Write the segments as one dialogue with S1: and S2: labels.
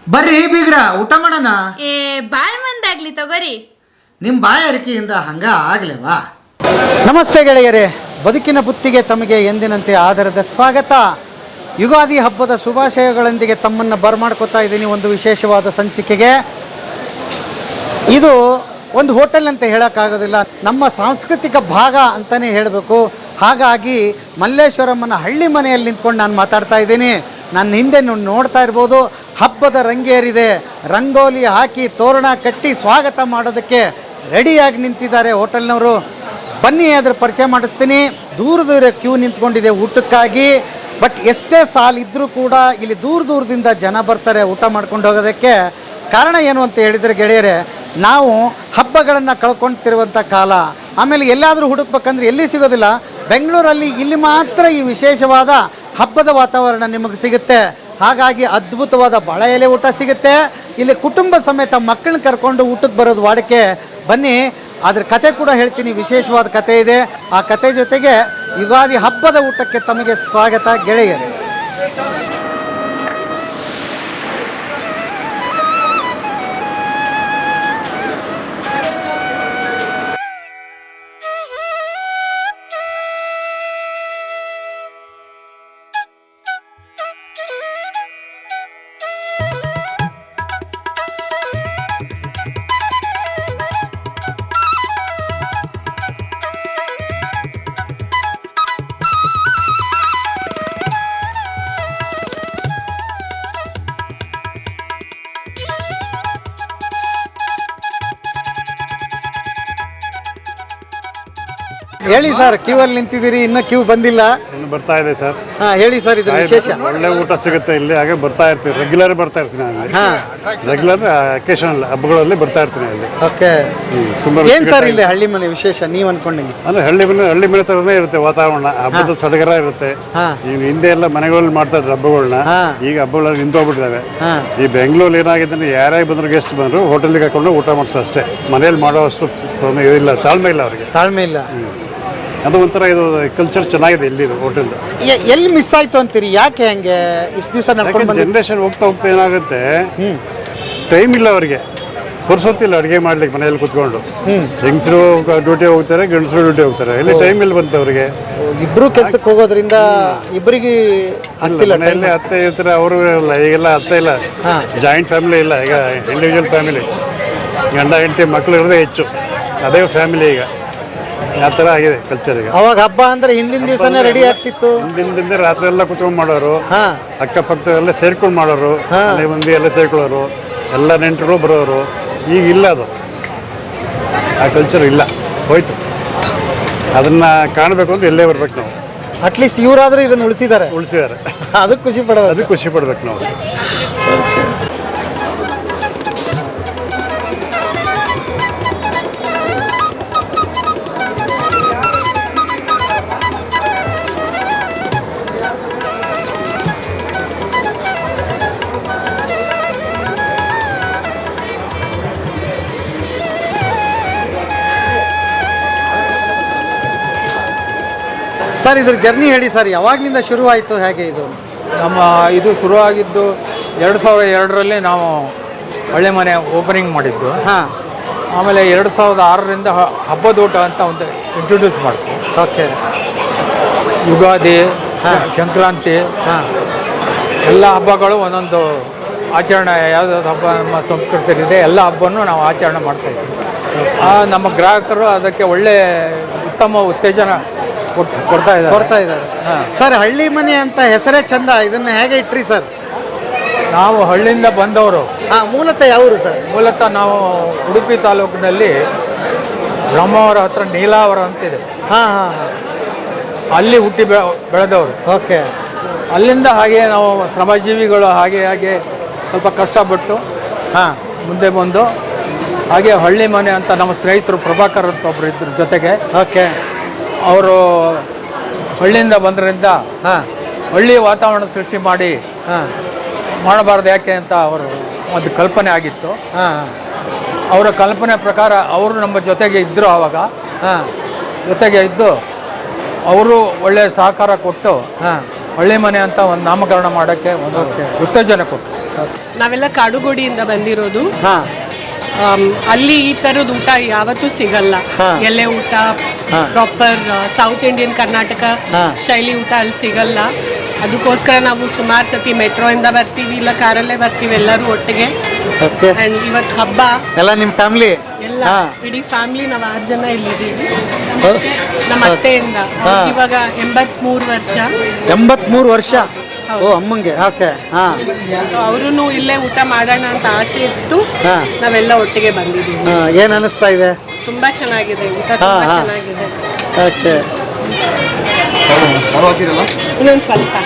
S1: ಬರ್ರಿ ಬೀಗ್ರ ಊಟ ಮಾಡೋಣ.
S2: ಬಾಳ್ ಮಂದಾಗ್ಲಿ ತಗೋರಿ.
S1: ನಿಮ್ಮ ಬಾಯಾರಿಕೆಯಿಂದ ಹಂಗ ಆಗ್ಲೇವಾ?
S3: ನಮಸ್ತೆ ಗೆಳೆಯರೇ, ಬದುಕಿನ ಬುತ್ತಿಗೆ ತಮಗೆ ಎಂದಿನಂತೆ ಆಧಾರದ ಸ್ವಾಗತ. ಯುಗಾದಿ ಹಬ್ಬದ ಶುಭಾಶಯಗಳೊಂದಿಗೆ ತಮ್ಮನ್ನು ಬರಮಾಡ್ಕೋತಾ ಇದ್ದೀನಿ ಒಂದು ವಿಶೇಷವಾದ ಸಂಚಿಕೆಗೆ. ಇದು ಒಂದು ಹೋಟೆಲ್ ಅಂತ ಹೇಳೋಕ್ಕಾಗೋದಿಲ್ಲ, ನಮ್ಮ ಸಾಂಸ್ಕೃತಿಕ ಭಾಗ ಅಂತಲೇ ಹೇಳಬೇಕು. ಹಾಗಾಗಿ ಮಲ್ಲೇಶ್ವರಮ್ಮನ ಹಳ್ಳಿ ಮನೆಯಲ್ಲಿ ನಿಂತ್ಕೊಂಡು ನಾನು ಮಾತಾಡ್ತಾ ಇದ್ದೀನಿ. ನನ್ನ ಹಿಂದೆ ನೋಡ್ತಾ ಇರ್ಬೋದು, ಹಬ್ಬದ ರಂಗೇರಿದೆ. ರಂಗೋಲಿ ಹಾಕಿ ತೋರಣ ಕಟ್ಟಿ ಸ್ವಾಗತ ಮಾಡೋದಕ್ಕೆ ರೆಡಿಯಾಗಿ ನಿಂತಿದ್ದಾರೆ ಹೋಟೆಲ್ನವರು. ಬನ್ನಿ ಅದ್ರ ಪರಿಚಯ ಮಾಡಿಸ್ತೀನಿ. ದೂರ ದೂರ ಕ್ಯೂ ನಿಂತ್ಕೊಂಡಿದೆ ಊಟಕ್ಕಾಗಿ. ಬಟ್ ಎಷ್ಟೇ ಸಾಲಿದ್ರೂ ಕೂಡ ಇಲ್ಲಿ ದೂರದಿಂದ ಜನ ಬರ್ತಾರೆ ಊಟ ಮಾಡ್ಕೊಂಡು ಹೋಗೋದಕ್ಕೆ. ಕಾರಣ ಏನು ಅಂತ ಹೇಳಿದರೆ ಗೆಳೆಯರೇ, ನಾವು ಹಬ್ಬಗಳನ್ನು ಕಳ್ಕೊಳ್ತಿರುವಂಥ ಕಾಲ. ಆಮೇಲೆ ಎಲ್ಲಾದರೂ ಹುಡುಕ್ಬೇಕಂದ್ರೆ ಎಲ್ಲಿ ಸಿಗೋದಿಲ್ಲ. ಬೆಂಗಳೂರಲ್ಲಿ ಇಲ್ಲಿ ಮಾತ್ರ ಈ ವಿಶೇಷವಾದ ಹಬ್ಬದ ವಾತಾವರಣ ನಿಮಗೆ ಸಿಗುತ್ತೆ. ಹಾಗಾಗಿ ಅದ್ಭುತವಾದ ಬಾಳೆ ಎಲೆ ಊಟ ಸಿಗುತ್ತೆ. ಇಲ್ಲಿ ಕುಟುಂಬ ಸಮೇತ ಮಕ್ಕಳನ್ನ ಕರ್ಕೊಂಡು ಊಟಕ್ಕೆ ಬರೋದು ವಾಡಿಕೆ. ಬನ್ನಿ, ಅದ್ರ ಕತೆ ಕೂಡ ಹೇಳ್ತೀನಿ. ವಿಶೇಷವಾದ ಕತೆ ಇದೆ. ಆ ಕತೆ ಜೊತೆಗೆ ಯುಗಾದಿ ಹಬ್ಬದ ಊಟಕ್ಕೆ ತಮಗೆ ಸ್ವಾಗತ ಗೆಳೆಯರು. ಹೇಳಿ ಸರ್, ಕ್ಯೂ ಅಲ್ಲಿ ನಿಂತಿದ್ದೀರಿ, ಇನ್ನೂ ಕ್ಯೂ ಬಂದಿಲ್ಲ.
S4: ಇನ್ನು ಬರ್ತಾ ಇದೆ ಸರ್.
S3: ಹಾಂ ಹೇಳಿ ಸರ್, ಇದು ವಿಶೇಷ.
S4: ಒಳ್ಳೆ ಊಟ ಸಿಗುತ್ತೆ ಇಲ್ಲಿ. ಹಾಗೆ ಬರ್ತಾ ಇರ್ತೀವಿ, ರೆಗ್ಯುಲರ್ ಬರ್ತಾ ಇರ್ತೀನಿ ನಾನು. ರೆಗ್ಯುಲರ್ ಅಕೇಶನಲ್ ಹಬ್ಬಗಳಲ್ಲಿ ಬರ್ತಾ ಇರ್ತೀನಿ ಅಲ್ಲಿ.
S3: ಓಕೆ,
S4: ತುಂಬಾ
S3: ಏನು ಸರ್ ಇಲ್ಲಿ ಹಳ್ಳಿ ಮನೆ ವಿಶೇಷ ನೀವು ಅನ್ಕೊಂಡಂಗೆ?
S4: ಅಂದ್ರೆ ಹಳ್ಳಿ ಮನೆ ಥರನೇ ಇರುತ್ತೆ ವಾತಾವರಣ. ಹಬ್ಬದ ಸಡಗರ ಇರುತ್ತೆ. ಈಗ ಹಿಂದೆ ಎಲ್ಲ ಮನೆಗಳಲ್ಲಿ ಮಾಡ್ತಾ ಇದ್ರು ಹಬ್ಬಗಳನ್ನ. ಈಗ ಹಬ್ಬಗಳಲ್ಲಿ ನಿಂತೋಗ್ಬಿಟ್ಟಿದ್ದಾವೆ. ಈ ಬೆಂಗಳೂರಲ್ಲಿ ಏನಾಗಿದೆ ಅಂದ್ರೆ ಯಾರೇ ಬಂದ್ರು ಗೆಸ್ಟ್ ಬಂದ್ರು ಹೋಟೆಲ್ಗೆ ಹಾಕೊಂಡು ಊಟ ಮಾಡಿಸೋ ಅಷ್ಟೇ. ಮನೇಲಿ ಮಾಡೋ ಅಷ್ಟು ಇಲ್ಲ, ತಾಳ್ಮೆ ಇಲ್ಲ ಅವರಿಗೆ.
S3: ತಾಳ್ಮೆ ಇಲ್ಲ.
S4: ಅದು ಒಂಥರ ಇದು ಕಲ್ಚರ್ ಚೆನ್ನಾಗಿದೆ ಇಲ್ಲಿ ಹೋಟೆಲ್.
S3: ಎಲ್ಲಿ ಮಿಸ್ ಆಯ್ತು ಅಂತೀರಿ? ಯಾಕೆ ಹಂಗೆ ಇಷ್ಟು ದಿವಸ ನಡ್ಕೊಂಡು
S4: ಜನರೇಷನ್ ಹೋಗ್ತಾ ಏನಾಗುತ್ತೆ, ಟೈಮ್ ಇಲ್ಲ ಅವರಿಗೆ, ಪುರ್ಸೊತ್ತಿಲ್ಲ ಅಡುಗೆ ಮಾಡ್ಲಿಕ್ಕೆ. ಮನೆಯಲ್ಲಿ ಕುತ್ಕೊಂಡು ಹೆಂಗಸರು ಡ್ಯೂಟಿ ಹೋಗ್ತಾರೆ, ಗಂಡಸರು ಡ್ಯೂಟಿ ಹೋಗ್ತಾರೆ. ಇಲ್ಲಿ ಟೈಮ್ ಇಲ್ಲಿ ಬಂತು ಅವರಿಗೆ.
S3: ಇಬ್ರು ಕೆಲ್ಸಕ್ಕೆ ಹೋಗೋದ್ರಿಂದ ಇಬ್ಬರಿಗೆ
S4: ಮನೆಯಲ್ಲಿ ಅತ್ತೆ ಇರ್ತಾರೆ, ಅವರು ಇರಲ್ಲ. ಈಗೆಲ್ಲ ಅತ್ತೆ ಇಲ್ಲ, ಜಾಯಿಂಟ್ ಫ್ಯಾಮಿಲಿ ಇಲ್ಲ. ಈಗ ಇಂಡಿವಿಜುವಲ್ ಫ್ಯಾಮಿಲಿ, ಗಂಡ ಹೆಂಡತಿ ಮಕ್ಕಳು ಇರೋದೇ ಹೆಚ್ಚು. ಅದೇ ಫ್ಯಾಮಿಲಿ ಈಗ. ಆ ಥರ ಆಗಿದೆ ಕಲ್ಚರ್ ಈಗ.
S3: ಅವಾಗ ಹಬ್ಬ ಅಂದ್ರೆ ಹಿಂದಿನ ದಿವಸನೇ ರೆಡಿ ಆಗ್ತಿತ್ತು.
S4: ಹಿಂದಿನ ರಾತ್ರಿ ಎಲ್ಲ ಕುತ್ಕೊಂಡು ಮಾಡೋರು, ಅಕ್ಕಪಕ್ಕ ಎಲ್ಲ ಸೇರ್ಕೊಂಡು ಮಾಡೋರು, ಮನೆ ಮಂದಿ ಎಲ್ಲ ಸೇರ್ಕೊಳ್ಳೋರು, ಎಲ್ಲ ನೆಂಟರು ಬರೋರು. ಈಗ ಇಲ್ಲ, ಅದು ಆ ಕಲ್ಚರ್ ಇಲ್ಲ, ಹೋಯ್ತು. ಅದನ್ನ ಕಾಣಬೇಕು ಅಂತ ಎಲ್ಲೇ ಬರ್ಬೇಕು ನಾವು.
S3: ಅಟ್ಲೀಸ್ಟ್ ಇವರಾದ್ರೂ ಇದನ್ನು ಉಳಿಸಿದ್ದಾರೆ. ಅದಕ್ಕೆ
S4: ಖುಷಿ ಪಡ್ಬೇಕು ನಾವು.
S3: ಸರ್, ಇದ್ರ ಜರ್ನಿ ಹೇಳಿ ಸರ್, ಯಾವಾಗಲಿಂದ ಶುರುವಾಯಿತು, ಹೇಗೆ ಇದು?
S5: ಇದು ಶುರುವಾಗಿದ್ದು 2002ರಲ್ಲಿ ನಾವು ಒಳ್ಳೆ ಮನೆ ಓಪನಿಂಗ್ ಮಾಡಿದ್ದು. ಆಮೇಲೆ 2006ರಿಂದ ಹಬ್ಬದ ಊಟ ಅಂತ ಒಂದು ಇಂಟ್ರೊಡ್ಯೂಸ್ ಮಾಡ್ತೀವಿ.
S3: ಓಕೆ.
S5: ಯುಗಾದಿ, ಸಂಕ್ರಾಂತಿ, ಎಲ್ಲ ಹಬ್ಬಗಳು ಒಂದೊಂದು ಆಚರಣೆ. ಯಾವುದಾದ್ರು ಹಬ್ಬ ನಮ್ಮ ಸಂಸ್ಕೃತಿಯಲ್ಲಿದೆ, ಎಲ್ಲ ಹಬ್ಬನೂ ನಾವು ಆಚರಣೆ ಮಾಡ್ತಾಯಿದ್ವಿ. ನಮ್ಮ ಗ್ರಾಹಕರು ಅದಕ್ಕೆ ಒಳ್ಳೆ ಉತ್ತಮ ಉತ್ತೇಜನ ಕೊಡ್ತಾ ಇದ್ದಾರೆ.
S3: ಸರ್, ಹಳ್ಳಿ ಮನೆ ಅಂತ ಹೆಸರೇ ಚಂದ. ಇದನ್ನ ಹೇಗೆ ಇಟ್ರಿ ಸರ್?
S5: ನಾವು ಹಳ್ಳಿಯಿಂದ ಬಂದವರು.
S3: ಮೂಲತಃ ಯಾವರು ಸರ್?
S5: ಮೂಲತಃ ನಾವು ಉಡುಪಿ ತಾಲೂಕಿನಲ್ಲಿ ಬ್ರಹ್ಮಾವರ ಹತ್ರ ನೀಲಾವರ ಅಂತಿದೆ. ಅಲ್ಲಿ ಹುಟ್ಟಿ ಬೆಳೆದವರು.
S3: ಓಕೆ.
S5: ಅಲ್ಲಿಂದ ಹಾಗೆ ನಾವು ಶ್ರಮಜೀವಿಗಳು ಹಾಗೆ ಸ್ವಲ್ಪ ಕಷ್ಟಪಟ್ಟು ಮುಂದೆ ಬಂದು ಹಾಗೆ ಹಳ್ಳಿ ಮನೆ ಅಂತ ನಮ್ಮ ಸ್ನೇಹಿತರು ಪ್ರಭಾಕರ್ ಅಂತ ಒಬ್ಬರು ಇದ್ರ ಜೊತೆಗೆ.
S3: ಓಕೆ.
S5: ಅವರು ಹಳ್ಳಿಯಿಂದ ಬಂದ್ರಿಂದ ಹಳ್ಳಿ ವಾತಾವರಣ ಸೃಷ್ಟಿ ಮಾಡಬಾರ್ದು ಯಾಕೆ ಅಂತ ಅವರು ಒಂದು ಕಲ್ಪನೆ ಆಗಿತ್ತು. ಅವರ ಕಲ್ಪನೆ ಪ್ರಕಾರ ಅವರು ನಮ್ಮ ಜೊತೆಗೆ ಇದ್ದರು. ಆವಾಗ ಜೊತೆಗೆ ಇದ್ದು ಅವರು ಒಳ್ಳೆಯ ಸಹಕಾರ ಕೊಟ್ಟು ಹಳ್ಳಿ ಮನೆ ಅಂತ ಒಂದು ನಾಮಕರಣ ಮಾಡೋಕ್ಕೆ ಒಂದು ಉತ್ತೇಜನ ಕೊಟ್ಟರು.
S6: ನಾವೆಲ್ಲ ಕಾಡುಗೋಡಿಯಿಂದ ಬಂದಿರೋದು.
S3: ಹಾ
S6: ಅಲ್ಲಿ ಈ ಥರದ ಊಟ ಯಾವತ್ತೂ ಸಿಗಲ್ಲ. ಎಲೆ ಊಟ ಪ್ರಾಪರ್ ಸೌತ್ ಇಂಡಿಯನ್ ಕರ್ನಾಟಕ ಶೈಲಿ ಊಟ ಅಲ್ಲಿ ಸಿಗಲ್ಲ. ಅದಕ್ಕೋಸ್ಕರ ನಾವು ಸುಮಾರು ಸತಿ ಮೆಟ್ರೋ ಇಂದ ಬರ್ತೀವಿ, ಇಲ್ಲ ಕಾರಲ್ಲೇ ಬರ್ತೀವಿ ಎಲ್ಲರೂ ಒಟ್ಟಿಗೆ.
S3: ಓಕೆ.
S6: ಅಂಡ್ ಇವತ್ತು ಹಬ್ಬ
S3: ಎಲ್ಲ ನಿಮ್ಮ ಫ್ಯಾಮಿಲಿ?
S6: ಎಲ್ಲ ಇಡೀ ಫ್ಯಾಮಿಲಿ ನಾವು 6 ಜನ ಇಲ್ಲಿದ್ದೀವಿ. ನಮ್ಮ ಅತ್ತೆಯಿಂದ ಇವಾಗ 83 ವರ್ಷ.
S3: 83 ವರ್ಷ? ಓ ಅಮ್ಮಂಗೆ. ಓಕೆ. ಹಾ.
S6: ಸೊ ಅವರು ಇಲ್ಲೇ ಊಟ ಮಾಡೋಣ ಅಂತ ಆಸೆ ಇತ್ತು, ನಾವೆಲ್ಲ ಒಟ್ಟಿಗೆ ಬಂದಿದ್ದೀವಿ.
S3: ಏನು ಅನಿಸ್ತಾ ಇದೆ?
S6: ತುಂಬಾ ಚೆನ್ನಾಗಿದೆ ಊಟ, ತುಂಬಾ ಚೆನ್ನಾಗಿದೆ.
S3: ಓಕೆ.
S6: ಇನ್ನೊಂದು ಸ್ವಲ್ಪ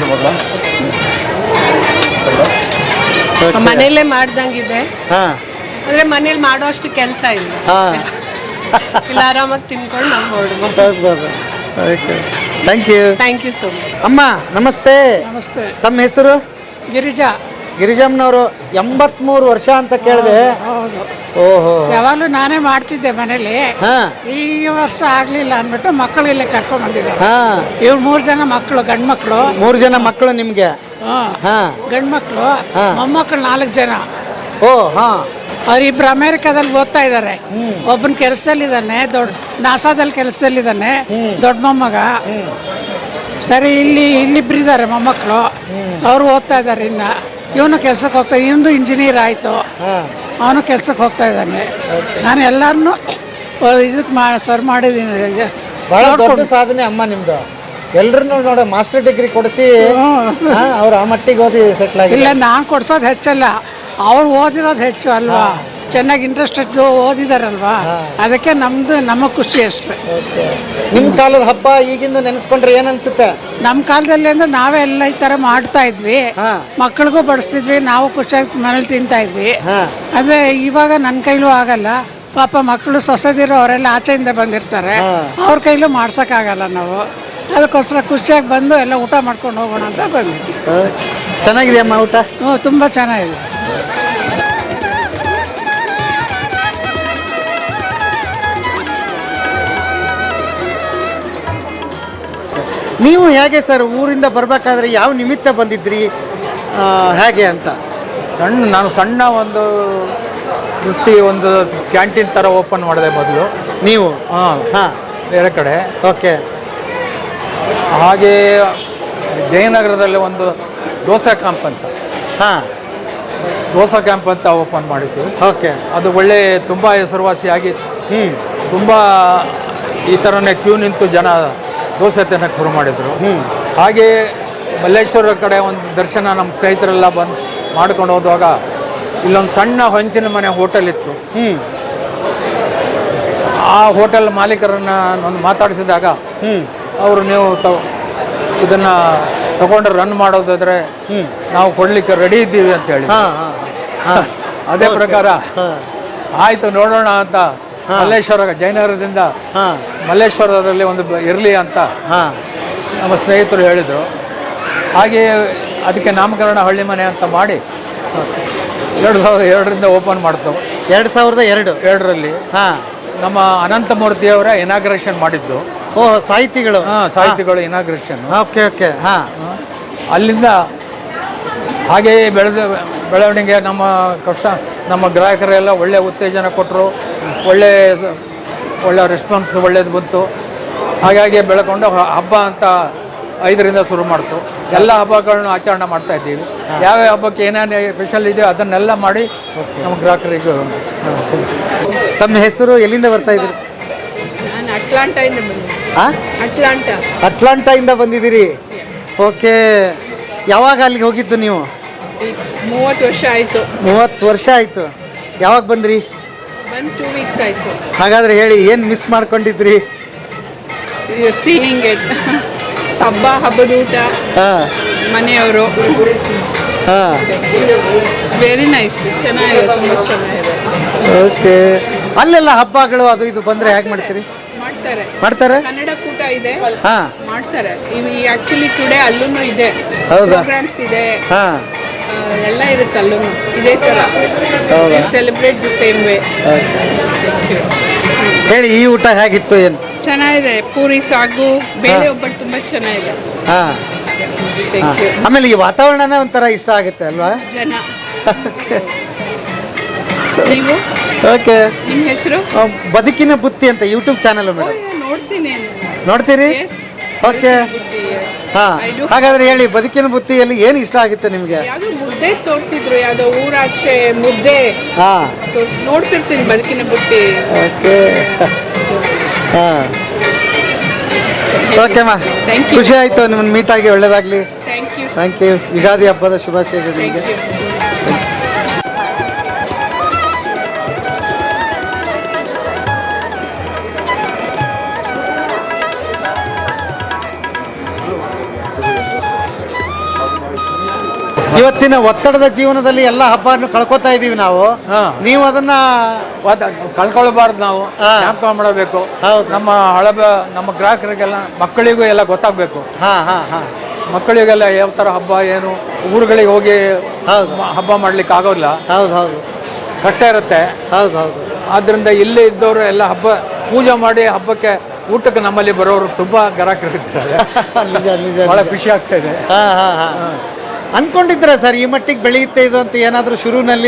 S6: ಮನೆಯಲ್ಲೇ ಮಾಡ್ದಂಗಿದೆ. ಅಂದ್ರೆ ಮನೇಲಿ ಮಾಡೋ ಅಷ್ಟು ಕೆಲಸ ಇಲ್ಲ, ಇಲ್ಲ ಆರಾಮಾಗಿ ತಿನ್ಕೊಂಡು ನಾವು ಹೊರಡ್ಬೋದು.
S3: Thank you.
S6: Thank you so much.
S3: ಅಮ್ಮ ನಮಸ್ತೆ.
S7: ನಮಸ್ತೆ.
S3: ತಮ್ಮ ಹೆಸರು?
S7: ಗಿರಿಜಾ.
S3: ಗಿರಿಜಮ್ಮನವರು 83 ವರ್ಷ ಅಂತ ಕೇಳಿದೆ.
S7: ಹೌದು.
S3: ಓಹೋ.
S7: ಯಾವಾಗಲೂ ನಾನೇ ಮಾಡ್ತಿದ್ದೆ ಮನೇಲಿ.
S3: ಹಾ
S7: ಈ ವರ್ಷ ಆಗ್ಲಿಲ್ಲ ಅಂದ್ಬಿಟ್ಟು ಮಕ್ಕಳು ಇಲ್ಲೇ ಕರ್ಕೊಂಡ್ ಬಂದಿದ್ದಾರೆ.
S3: ಹಾ.
S7: ಇವ್ರು 3 ಜನ ಮಕ್ಕಳು, ಗಂಡು ಮಕ್ಕಳು.
S3: 3 ಜನ ಮಕ್ಕಳು ನಿಮ್ಗೆ? ಹಾ.
S7: ಗಂಡು ಮಕ್ಕಳು, ಮೊಮ್ಮಕ್ಕಳು 4 ಜನ.
S3: ಓ ಹಾ.
S7: ಅವರಿಬ್ರು ಅಮೆರಿಕಾದಲ್ಲಿ ಓದ್ತಾ ಇದ್ದಾರೆ. ಒಬ್ಬನ ಕೆಲಸದಲ್ಲಿದ್ದಾನೆ, ನಾಸಾದಲ್ಲಿ ಕೆಲಸದಲ್ಲಿದ್ದಾನೆ ದೊಡ್ಡ ಮೊಮ್ಮಗ. ಸರಿ, ಇಲ್ಲಿಬ್ರು ಇದ್ದಾರೆ ಮೊಮ್ಮಕ್ಕಳು, ಅವರು ಓದ್ತಾ ಇದ್ದಾರೆ. ಇನ್ನು ಇವನು ಕೆಲ್ಸಕ್ಕೆ ಹೋಗ್ತಾ, ಇನ್ನೊಂದು ಇಂಜಿನಿಯರ್ ಆಯಿತು, ಅವನು ಕೆಲ್ಸಕ್ಕೆ ಹೋಗ್ತಾ ಇದ್ದಾನೆ. ನಾನು ಎಲ್ಲರನ್ನೂ ಇದಕ್ಕೆ ಸರ್ ಮಾಡಿದ್ದೀನಿ.
S3: ಬಹಳ ದೊಡ್ಡ ಸಾಧನೆ ಅಮ್ಮ ನಿಮ್ದು. ಎಲ್ರನ್ನೂ ನೋಡ ಮಾಸ್ಟರ್ ಡಿಗ್ರಿ ಕೊಡಿಸಿ ಅವ್ರು ಆ ಮಟ್ಟಿಗೆ ಓದಿ ಸೆಟ್ಲ್ ಆಗಿ.
S7: ಇಲ್ಲ, ನಾನು ಕೊಡ್ಸೋದು ಹೆಚ್ಚಲ್ಲ, ಅವ್ರು ಓದಿರೋದು ಹೆಚ್ಚು ಅಲ್ವಾ. ಚೆನ್ನಾಗಿ ಇಂಟ್ರೆಸ್ಟೆಡ್ ಓದಿದಾರಲ್ವಾ, ಅದಕ್ಕೆ ನಮಗೆ ಖುಷಿ ಅಷ್ಟೇ.
S3: ನಿಮ್ಮ ಕಾಲದ ಹಬ್ಬ ಈಗಿಂದ ನೆನೆಸ್ಕೊಂಡ್ರೆ ಏನು ಅನ್ಸುತ್ತೆ?
S7: ನಮ್ಮ ಕಾಲದಲ್ಲಿ ಅಂದ್ರೆ ನಾವೇ ಎಲ್ಲ ಈ ಥರ ಮಾಡ್ತಾ ಇದ್ವಿ, ಮಕ್ಕಳಿಗೂ ಬಡಿಸ್ತಿದ್ವಿ, ನಾವು ಖುಷಿಯಾಗಿ ಮನೇಲಿ ತಿಂತಾ ಇದ್ವಿ. ಆದರೆ ಇವಾಗ ನನ್ನ ಕೈಲೂ ಆಗಲ್ಲ. ಪಾಪ ಮಕ್ಕಳು ಸೊಸೆದಿರೋ ಅವರೆಲ್ಲ ಆಚೆಯಿಂದ ಬಂದಿರ್ತಾರೆ, ಅವ್ರ ಕೈಲೂ ಮಾಡ್ಸೋಕ್ಕಾಗಲ್ಲ ನಾವು. ಅದಕ್ಕೋಸ್ಕರ ಖುಷಿಯಾಗಿ ಬಂದು ಎಲ್ಲ ಊಟ ಮಾಡ್ಕೊಂಡು ಹೋಗೋಣ ಅಂತ ಬಂದಿದ್ವಿ.
S3: ಚೆನ್ನಾಗಿದೆ ಅಮ್ಮ ಊಟ?
S7: ಹ್ಞೂ, ತುಂಬ ಚೆನ್ನಾಗಿದೆ.
S3: ನೀವು ಹೇಗೆ ಸರ್ ಊರಿಂದ ಬರಬೇಕಾದ್ರೆ ಯಾವ ನಿಮಿತ್ತ ಬಂದಿದ್ರಿ, ಹೇಗೆ ಅಂತ?
S5: ನಾನು ಸಣ್ಣ ಒಂದು ವೃತ್ತಿ, ಒಂದು ಕ್ಯಾಂಟೀನ್ ಥರ ಓಪನ್ ಮಾಡಿದೆ ಮೊದಲು.
S3: ನೀವು?
S5: ಹಾಂ. ಬೇರೆ ಕಡೆ.
S3: ಓಕೆ.
S5: ಹಾಗೆ ಜಯನಗರದಲ್ಲಿ ಒಂದು ದೋಸೆ ಕ್ಯಾಂಪ್ ಅಂತ, ದೋಸೆ ಕ್ಯಾಂಪ್ ಅಂತ ಓಪನ್ ಮಾಡಿದ್ದು.
S3: ಓಕೆ.
S5: ಅದು ಒಳ್ಳೆ ತುಂಬ ಹೆಸರುವಾಸಿಯಾಗಿ ತುಂಬ ಈ ಥರನೇ ಕ್ಯೂ ನಿಂತು ಜನ ದೋಸೆ ತಿನ್ನೋಕ್ಕೆ ಶುರು ಮಾಡಿದರು. ಹಾಗೆ ಮಲ್ಲೇಶ್ವರ ಕಡೆ ಒಂದು ದರ್ಶನ ನಮ್ಮ ಸ್ನೇಹಿತರೆಲ್ಲ ಬಂದು ಮಾಡ್ಕೊಂಡು ಹೋದಾಗ ಇಲ್ಲೊಂದು ಸಣ್ಣ ಹೊಂಚಿನ ಮನೆ ಹೋಟೆಲ್ ಇತ್ತು. ಆ ಹೋಟೆಲ್ ಮಾಲೀಕರನ್ನ ಒಂದು ಮಾತಾಡಿಸಿದಾಗ ಅವರು, ನೀವು ಇದನ್ನು ತಗೊಂಡು ರನ್ ಮಾಡೋದಾದರೆ ನಾವು ಕೊಡಲಿಕ್ಕೆ ರೆಡಿ ಇದ್ದೀವಿ ಅಂತ ಹೇಳಿ. ಅದೇ ಪ್ರಕಾರ ಆಯಿತು ನೋಡೋಣ ಅಂತ ಮಲ್ಲೇಶ್ವರ, ಜಯನಗರದಿಂದ ಮಲ್ಲೇಶ್ವರದಲ್ಲಿ ಒಂದು ಇರಲಿ ಅಂತ ನಮ್ಮ ಸ್ನೇಹಿತರು ಹೇಳಿದರು. ಹಾಗೆ ಅದಕ್ಕೆ ನಾಮಕರಣ ಹಳ್ಳಿ ಮನೆ ಅಂತ ಮಾಡಿ 2002ರಿಂದ ಓಪನ್ ಮಾಡ್ತು.
S3: 2002ರಲ್ಲಿ
S5: ನಮ್ಮ ಅನಂತಮೂರ್ತಿಯವರ ಇನಾಗ್ರೇಷನ್ ಮಾಡಿದ್ದು.
S3: ಓಹ್, ಸಾಹಿತಿಗಳು?
S5: ಸಾಹಿತಿಗಳು ಇನಾಗ್ರೇಷನ್.
S3: Okay okay.
S5: ಅಲ್ಲಿಂದ ಹಾಗೆಯೇ ಬೆಳವಣಿಗೆ. ನಮ್ಮ ಗ್ರಾಹಕರೆಲ್ಲ ಒಳ್ಳೆ ಉತ್ತೇಜನ ಕೊಟ್ಟರು, ಒಳ್ಳೆ ರೆಸ್ಪಾನ್ಸ್ ಒಳ್ಳೇದು ಬಂತು. ಹಾಗಾಗಿ ಬೆಳ್ಕೊಂಡು ಹಬ್ಬ ಅಂತ 5ರಿಂದ ಶುರು ಮಾಡ್ತು. ಎಲ್ಲ ಹಬ್ಬಗಳನ್ನು ಆಚರಣೆ ಮಾಡ್ತಾ ಇದ್ದೀವಿ. ಯಾವ ಹಬ್ಬಕ್ಕೆ ಏನೇನು ಸ್ಪೆಷಲ್ ಇದೆಯೋ ಅದನ್ನೆಲ್ಲ ಮಾಡಿ ನಮ್ಮ ಗ್ರಾಹಕರಿಗೆ.
S3: ತಮ್ಮ ಹೆಸರು? ಎಲ್ಲಿಂದ ಬರ್ತಾ ಇದ್ದೀರಿ?
S6: ನಾನು ಅಟ್ಲಾಂಟಾಯಿಂದ ಬಂದಿದ್ದೀನಿ.
S3: ಅಟ್ಲಾಂಟಾಯಿಂದ ಬಂದಿದ್ದೀರಿ? ಓಕೆ. ಯಾವಾಗ ಅಲ್ಲಿಗೆ ಹೋಗಿದ್ದು ನೀವು?
S6: 30 ವರ್ಷ ಆಯಿತು.
S3: 30 ವರ್ಷ ಆಯಿತು. ಯಾವಾಗ ಬಂದ್ರಿ?
S6: 2 ವೀಕ್ಸ್ ಆಯಿತು.
S3: ಹಾಗಾದರೆ ಹೇಳಿ, ಏನು ಮಿಸ್ ಮಾಡ್ಕೊಂಡಿದ್ರಿ?
S6: ಸೀಯಿಂಗ್ ಇಟ್, ಹಬ್ಬದ ಊಟ, ಮನೆಯವರು. ವೆರಿ ನೈಸ್, ಚೆನ್ನಾಗಿದೆ, ತುಂಬ ಚೆನ್ನಾಗಿದೆ.
S3: ಓಕೆ. ಅಲ್ಲೆಲ್ಲ ಹಬ್ಬಗಳು ಅದು ಇದು ಬಂದರೆ ಹೇಗೆ ಮಾಡ್ತೀರಿ? ಮಾಡ್ತಾರೆ.
S6: ಕನ್ನಡ ಕೂಟ ಇದೆ, ಮಾಡ್ತಾರೆ. ಆಕ್ಚುಲಿ ಟುಡೇ ಅಲ್ಲೂ ಇದೆ, ಪ್ರೋಗ್ರಾಮ್ಸ್ ಇದೆ, ಎಲ್ಲ ಇರುತ್ತೆ ಅಲ್ಲೂ ಇದೇ ಥರ. Celebrate the same way.
S3: ಹೇಳಿ, ಈ ಊಟ ಹೇಗಿತ್ತು? ಏನು
S6: ಚೆನ್ನಾಗಿದೆ. ಪೂರಿ, ಸಾಗು, ಬೇಳೆ ಒಬ್ಬಟ್ಟು ತುಂಬ ಚೆನ್ನಾಗಿದೆ.
S3: ಆಮೇಲೆ ಈ ವಾತಾವರಣನೇ ಒಂಥರ ಇಷ್ಟ ಆಗುತ್ತೆ ಅಲ್ವಾ?
S8: ಜನ. ನೀವು
S3: ಓಕೆ.
S8: ನಿಮ್ಮ ಹೆಸರು?
S3: ಬದುಕಿನ ಬುತ್ತಿ ಅಂತ ಯೂಟ್ಯೂಬ್ ಚಾನಲ್ ಮೇಡಮ್.
S8: ನೋಡ್ತೀನಿ.
S3: ನೋಡ್ತೀರಿ? ಓಕೆ. ಹಾ,
S8: I do.
S3: ಹಾಗಾದ್ರೆ ಹೇಳಿ, ಬದುಕಿನ ಬುತ್ತಿಯಲ್ಲಿ ಏನು ಇಷ್ಟ ಆಗುತ್ತೆ ನಿಮಗೆ?
S8: ಯಾವ್ದೋ ಮುದ್ದೆ ತೋರಿಸಿದ್ರು, ಯಾವ್ದೋ ಊರಾಚೆ ಮುದ್ದೆ
S3: ಹಾ,
S8: ನೋಡ್ತಿರ್ತೀನಿ ಬದುಕಿನ ಬುಟ್ಟಿ.
S3: ಓಕೆ. ಹಾ, ಓಕೆ ಮಾ,
S8: Thank you.
S3: ಖುಷಿ ಆಯ್ತು ನಿಮ್ಮನ್ನು ಮೀಟ್ ಆಗಿ, ಒಳ್ಳೇದಾಗ್ಲಿ.
S8: Thank you.
S3: Thank you. Ugadi ಹಬ್ಬದ ಶುಭಾಶಯಗಳು ನಿಮಗೆ.
S8: Thank you.
S3: ಇವತ್ತಿನ ಒತ್ತಡದ ಜೀವನದಲ್ಲಿ ಎಲ್ಲ ಹಬ್ಬವನ್ನು ಕಳ್ಕೊತಾ ಇದೀವಿ ನಾವು.
S5: ಹಾ.
S3: ನೀವು ಅದನ್ನ
S5: ಕಳ್ಕೊಳ್ಬಾರ್ದು, ನಾವು
S3: ಹಾ.
S5: ಜ್ಞಾಪಕ ಮಾಡಬೇಕು.
S3: ಹೌದು.
S5: ನಮ್ಮ ಗ್ರಾಹಕರಿಗೆಲ್ಲ, ಮಕ್ಕಳಿಗೂ ಎಲ್ಲ ಗೊತ್ತಾಗಬೇಕು.
S3: ಹಾ ಹಾ ಹಾ
S5: ಮಕ್ಕಳಿಗೆಲ್ಲ ಯಾವ ಥರ ಹಬ್ಬ ಏನು, ಊರುಗಳಿಗೆ ಹೋಗಿ
S3: ಹೌದು.
S5: ಹಬ್ಬ ಮಾಡ್ಲಿಕ್ಕೆ ಆಗೋಲ್ಲ,
S3: ಹೌದು ಹೌದು
S5: ಕಷ್ಟ ಇರುತ್ತೆ.
S3: ಹೌದು ಹೌದು
S5: ಆದ್ದರಿಂದ ಇಲ್ಲೇ ಇದ್ದವರು ಎಲ್ಲ ಹಬ್ಬ ಪೂಜೆ ಮಾಡಿ ಹಬ್ಬಕ್ಕೆ ಊಟಕ್ಕೆ ನಮ್ಮಲ್ಲಿ ಬರೋರು ತುಂಬಾ ಗ್ರಾಹಕರಿರ್ತಾರೆ.
S3: ನಿಜ ನಿಜ
S5: ಬಹಳ ಖುಷಿ ಆಗ್ತಾ ಇದೆ.
S3: ಹಾ ಹಾ ಹಾ ಅನ್ಕೊಂಡಿದ್ರೆ ಸರ್ ಈ ಮಟ್ಟಿಗೆ ಬೆಳೆಯುತ್ತೆ ಇದು ಅಂತ ಏನಾದರೂ ಶುರುವಿನಲ್ಲಿ?